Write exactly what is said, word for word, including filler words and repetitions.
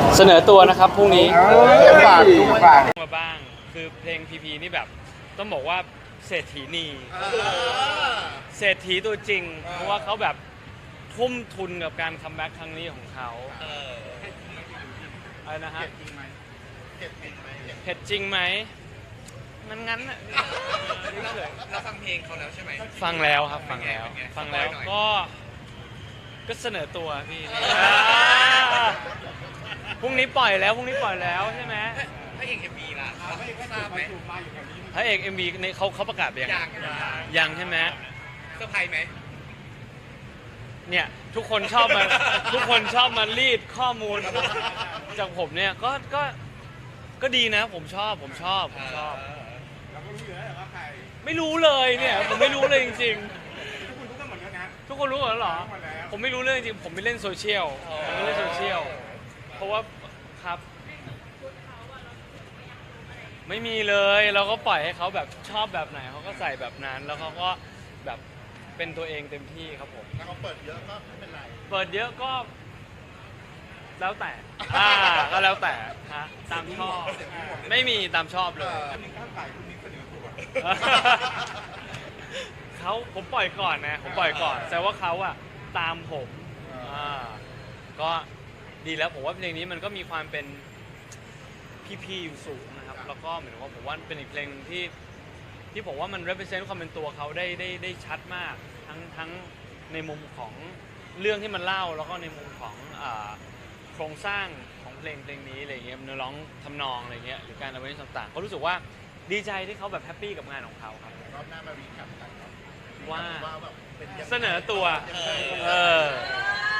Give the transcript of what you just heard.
เสนอตัวนะครับพรุ่งนี้ฝากฝากมาบ้างคือเพลงพีพีนี่แบบต้องบอกว่าเศรษฐีนีเศรษฐีตัวจริง เพราะว่าเขาแบบทุ่มทุนกับการคัมแบ็กครั้งนี้ของเขาอะไรนะฮะเผ็ดจริงไหมมันงั้นอะเราฟังเพลงเขาแล้วใช่ไหมฟังแล้วครับฟังแล้วฟังแล้วก็ก็เสนอตัวพี่พรุ่งนี้ปล่อยแล้วพรุ่งนี้ปล่อยแล้วใช่ไหมพระเอกเอ็มบีล่ะทราบไหมพระเอก เอ็ม วี ในเขาเขาประกาศไปยังยังยังใช่ไหมเซอร์ไพรส์ไหมเนี่ยทุกคนชอบมา ทุกคนชอบมารีดข้อมูลจากผมเนี่ยก็ก็ก็ดีนะผมชอบผมชอบผมชอบไม่รู้เลยเนี่ยผมไม่รู้เลยจริงๆทุกคนรู้หมดแล้วเหรอผมไม่รู้เลยจริงๆผมไม่เล่นโซเชียลผมไม่เล่นโซเชียลเพราะว่าครับไม่มีเลยเราก็ปล่อยให้เขาแบบชอบแบบไหนเขาก็ใส่แบบนั้นแล้วเขาก็แบบเป็นตัวเองเต็มที่ครับผมถ้าเขาเปิดเยอะก็ไม่เป็นไรเปิดเยอะก็แล้วแต่อ่าก็แล้วแต่ฮะตามชอบไม่มีตามชอบเลยเขาผมปล่อยก่อนนะผมปล่อยก่อนแต่ว่าเขาอะตามผมอ่าก็ดีแล้วผมว่าเพลงนี้มันก็มีความเป็นพี่ๆอยู่สูงนะครับแล้วก็เหมือนว่าผมว่าเป็นอีกเพลงที่ที่ผมว่ามัน represent ความเป็นตัวเขาได้ได้ได้ชัดมากทั้งทั้งในมุมของเรื่องที่มันเล่าแล้วก็ในมุมของอ่าโครงสร้างของเพลงเพลงนี้อะไรเงี้ยเนื้อร้องทำนองอะไรเงี้ยหรือการเอาไว้ต่างๆก็รู้สึกว่าดีใจที่เขาแบบแฮปปี้กับงานของเขาครับรอบหน้ามารีแคปกันว่าเสนอตัวเออ